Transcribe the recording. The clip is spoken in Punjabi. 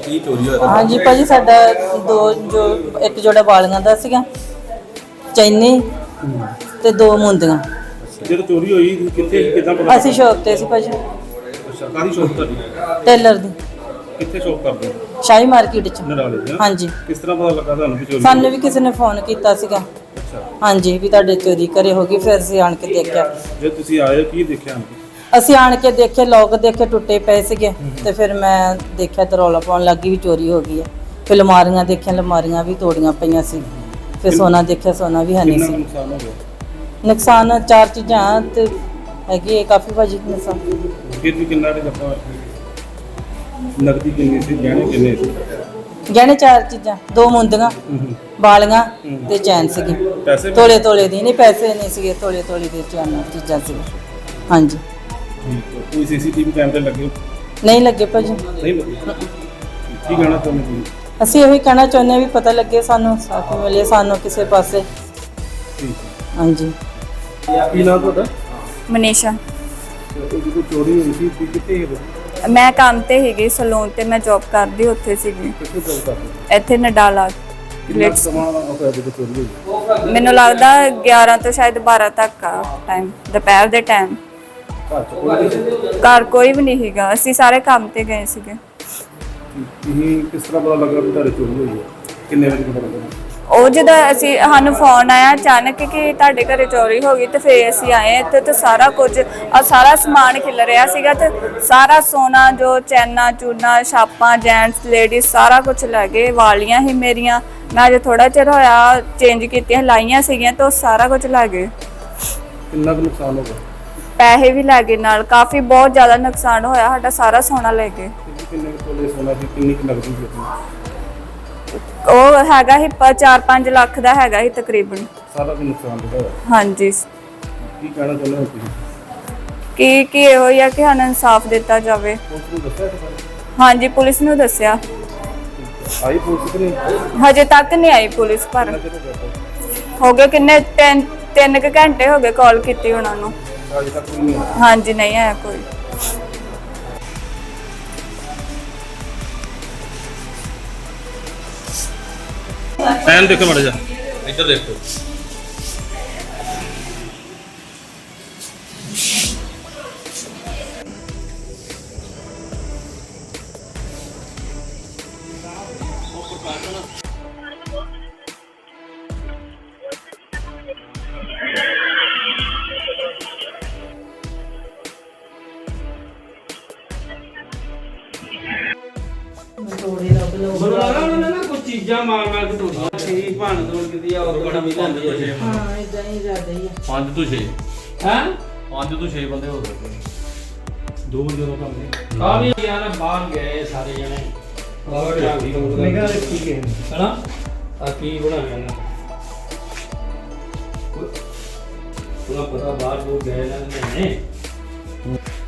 ਕੀ ਚੋਰੀ ਹੋਇਆ? ਹਾਂਜੀ ਭਾਜੀ, ਸਾਡਾ ਇੱਕ ਜੋੜਾ ਵਾਲੀਆਂ ਦਾ ਸੀਗਾ, ਚੈਨੀ ਤੇ 2 ਮੁੰਦੀਆਂ। ਜਦੋਂ ਚੋਰੀ ਹੋਈ ਕਿੱਥੇ ਕਿਦਾਂ ਪਤਾ? ਅਸੀਂ ਸ਼ੌਪ ਤੇ ਸੀ ਭਾਜੀ। ਅੱਛਾ, ਕਾਹਦੀ ਸ਼ੌਪ ਤੁਹਾਡੀ? ਟੇਲਰ ਦੀ। ਕਿੱਥੇ ਸ਼ੌਪ ਕਰਦੇ ਹੋ? ਸ਼ਾਹੀ ਮਾਰਕੀਟ ਚ। ਨਰਾਲੇ ਦੀ? ਹਾਂਜੀ। ਕਿਸ ਤਰ੍ਹਾਂ ਪਤਾ ਲੱਗਾ ਤੁਹਾਨੂੰ ਵੀ ਚੋਰੀ? ਸਾਨੂੰ ਵੀ ਕਿਸੇ ਨੇ ਫੋਨ ਕੀਤਾ ਸੀਗਾ। ਅੱਛਾ, ਹਾਂਜੀ, ਵੀ ਤੁਹਾਡੇ ਚੋਰੀ ਘਰੇ ਹੋ ਗਈ। ਫਿਰ ਅਸੀਂ ਆਣ ਕੇ ਦੇਖਿਆ। ਜੇ ਤੁਸੀਂ ਆਏ ਕੀ ਦੇਖਿਆ? ਅਸੀਂ ਆਣ ਕੇ ਦੇਖੇ, ਲੋਕ ਦੇਖੇ ਟੁੱਟੇ ਪਏ ਸੀਗੇ ਤੇ ਫਿਰ ਮੈਂ ਦੇਖਿਆ ਤੇ ਰੌਲਾ ਪਾਉਣ ਲੱਗੀ ਵੀ ਚੋਰੀ ਹੋ ਗਈ ਹੈ। ਫਿਰ ਅਲਮਾਰੀਆਂ ਦੇਖੀਆਂ, ਅਲਮਾਰੀਆਂ ਵੀ ਤੋੜੀਆਂ ਪਈਆਂ ਸੀ। ਫਿਰ ਸੋਨਾ ਦੇਖਿਆ, ਸੋਨਾ ਵੀ ਹੈ ਨਹੀਂ ਕਿੰਨਾ ਸੀ। ਨੁਕਸਾਨ ਹੋ ਗਿਆ? ਨੁਕਸਾਨ 4 ਚੀਜ਼ਾਂ ਤੇ ਹੈਗੀ ਕਾਫੀ ਭਾਜੀ ਨੁਕਸਾਨ। ਫਿਰ ਵੀ ਕਿੰਨਾ ਕੁ ਆਪਾਂ ਨਕਦੀ ਕਿੰਨੀ ਸੀ, ਗਹਿਣੇ ਕਿੰਨੇ ਸੀ? ਗਹਿਣੇ 4 ਚੀਜ਼ਾਂ, 2 ਮੁੰਦੀਆਂ, ਵਾਲੀਆਂ ਤੇ ਚੈਨ ਸੀਗੀ। ਪੈਸੇ ਵੀ? ਤੋਲੇ ਦੀ ਨਹੀਂ, ਪੈਸੇ ਨਹੀਂ ਸੀਗੇ, ਤੋਲੇ ਦੇ ਚੈਨ ਚੀਜ਼ਾਂ ਸੀ। ਹਾਂਜੀ। ਠੀਕ ਹੈ। ਕੋਈ ਸੀਸੀਟੀਵੀ ਕੈਮਰੇ ਲੱਗੇ? ਨਹੀਂ ਲੱਗੇ ਭਾਜੀ। ਨਹੀਂ ਲੱਗੇ? ਕੀ ਕਹਿਣਾ ਚਾਹੁੰਦੇ ਤੁਸੀਂ? ਅਸੀਂ ਇਹੀ ਕਹਿਣਾ ਚਾਹੁੰਦੇ ਹਾਂ ਵੀ ਪਤਾ ਲੱਗੇ ਸਾਨੂੰ, ਸਾਥ ਮਿਲੇ ਸਾਨੂੰ ਕਿਸੇ ਪਾਸੇ। ਠੀਕ ਹੈ। ਹਾਂਜੀ। ਕੀ ਨਾਮ ਤੁਹਾਡਾ? ਮਨੀਸ਼ਾ। ਜਦੋਂ ਚੋਰੀ ਹੋਈ ਸੀ ਤੁਸੀਂ ਕਿੱਥੇ ਸੀ? ਮੈਂ ਕੰਮ ਤੇ ਹੈਗੀ ਸਲੂਨ ਤੇ, ਮੈਂ ਜੌਬ ਕਰਦੀ ਉੱਥੇ ਸੀਗੀ, ਕਿੱਥੇ ਜੌਬ ਕਰਦੇ? ਇੱਥੇ ਨਡਾਲਾ। ਕਿੰਨਾ ਸਮਾਂ ਹੋਇਆ ਜਦੋਂ ਚੋਰੀ ਹੋਈ? ਮੈਨੂੰ ਲੱਗਦਾ 11 ਤੋਂ ਸ਼ਾਇਦ 12 ਤੱਕ ਆ ਟਾਈਮ, ਦੁਪਹਿਰ ਦੇ ਟਾਈਮ। ਘਰ ਚ ਕੋਈ ਨਹੀਂ ਸੀ? ਘਰ ਕੋਈ ਵੀ ਨਹੀਂ ਸੀਗਾ, ਅਸੀਂ ਸਾਰੇ ਕੰਮ ਤੇ ਗਏ ਸੀਗੇ। ਤੁਸੀਂ ਕਿਸ ਤਰ੍ਹਾਂ ਪਤਾ ਲੱਗਾ ਵੀ ਤੁਹਾਡੀ ਚੋਰੀ ਹੋਈ ਹੈ? ਕਿੰਨੇ ਵਜੇ ਪਤਾ ਲੱਗਾ? ਉਹ ਜਦੋਂ ਸਾਨੂੰ ਫੋਨ ਆਇਆ ਅਚਾਨਕ ਕਿ ਤੁਹਾਡੇ ਘਰੇ ਚੋਰੀ ਹੋ ਗਈ, ਤੇ ਫਿਰ ਅਸੀਂ ਆਏ ਇੱਥੇ ਤੇ ਸਾਰਾ ਕੁਝ ਸਾਰਾ ਸਮਾਨ ਖਿਲ ਰਿਹਾ ਸੀਗਾ ਤੇ ਸਾਰਾ ਸੋਨਾ ਜੋ ਚੈਨਾ ਚੂਨਾ ਛਾਪਾਂ ਜੈਂਟਸ ਲੇਡੀਜ਼ ਸਾਰਾ ਕੁਝ ਲੈ ਗਏ। ਵਾਲੀਆਂ ਹੀ ਮੇਰੀਆਂ, ਮੈਂ ਅਜੇ ਥੋੜਾ ਚਿਰ ਹੋਇਆ ਚੇਂਜ ਕੀਤੀਆਂ, ਲਾਈਆਂ ਸੀਗੀਆਂ ਤੇ ਉਹ ਸਾਰਾ ਕੁਝ ਲੈ ਗਏ। ਕਿੰਨਾ ਕੁ ਨੁਕਸਾਨ ਹੋ ਗਿਆ? ਪੈਸੇ ਵੀ ਲੈ ਗਏ ਨਾਲ, ਕਾਫੀ ਬਹੁਤ ਜ਼ਿਆਦਾ ਨੁਕਸਾਨ ਹੋਇਆ ਸਾਡਾ, ਸਾਰਾ ਸੋਨਾ ਲੈ ਗਏ। ਕਿੰਨੇ ਕੁ ਤੋਲੇ ਸੋਨਾ ਸੀ, ਕਿੰਨੀ ਕੁ ਨਕਦੀ ਸੀ ਆਪਣੀ? ਉਹ ਹੈਗਾ ਸੀ 4-5 ਲੱਖ ਦਾ ਹੈਗਾ ਸੀ ਤਕਰੀਬਨ। ਸਾਰਾ ਕੁ ਨੁਕਸਾਨ ਹੋਇਆ? ਹਾਂਜੀ। ਕੀ ਕਹਿਣਾ ਚਾਹੁੰਦੇ ਹੋ ਤੁਸੀਂ? ਕੀ ਇਹੋ ਹੀ ਆ ਕਿ ਸਾਨੂੰ ਇਨਸਾਫ ਦਿੱਤਾ ਜਾਵੇ। ਪੁਲਿਸ ਨੂੰ ਦੱਸਿਆ ਇਸ ਬਾਰੇ? ਹਾਂਜੀ, ਪੁਲਿਸ ਨੂੰ ਦੱਸਿਆ। ਆਈ ਪੁਲਿਸ ਕਿ ਨਹੀਂ? ਹਜੇ ਤੱਕ ਨਹੀਂ ਆਈ ਪੁਲਿਸ, ਪਰ ਕਿੰਨਾ ਚਿਰ ਹੋ ਗਿਆ ਤਾਂ? ਹੋ ਗਏ ਕਿੰਨੇ 3 ਘੰਟੇ ਹੋ ਗਏ ਕਾਲ ਕੀਤੀ ਉਹਨਾਂ ਨੂੰ। ਅਜੇ ਤੱਕ ਕੋਈ ਨਹੀਂ ਆਇਆ? ਹਾਂਜੀ, ਨਹੀਂ ਆਇਆ ਕੋਈ। ਟਾਈਮ ਦੇਖੋ ਮੜ ਜਾ, ਇੱਧਰ ਦੇਖੋ। ਕੁਝ ਚੀਜ਼ਾਂ ਮਾਰ ਕੇ ਤੋੜੀਆਂ ਸੀ, ਭੰਨ ਤੋੜ ਕੀਤੀ ਆ, ਉਹ ਬੜਾ ਮਿਲ ਜਾਂਦੀ ਹੈ। ਹਾਂ, ਇਦਾਂ ਹੀ ਜ਼ਿਆਦਾ ਹੀ ਆ। 5 ਤੋਂ 6 ਹੈ 5 ਤੋਂ 6 ਬੰਦੇ ਹੋ ਸਕਦੇ ਨੇ। 2 ਵਜੇ ਦਾ ਕੰਮ ਹੈ। ਆ ਵੀ ਯਾਰ ਬਾਹਰ ਗਏ ਸਾਰੇ ਜਣੇ। ਹੋਰ ਨਿਗਾਹ ਰੱਖੀ ਗਏ ਹਨਾ ਆ ਕੀ ਬਣਾਇਆ ਨਾ ਪੂਰਾ ਪਤਾ ਬਾਹਰ ਉਹ ਗਏ ਨਾ ਨੇ।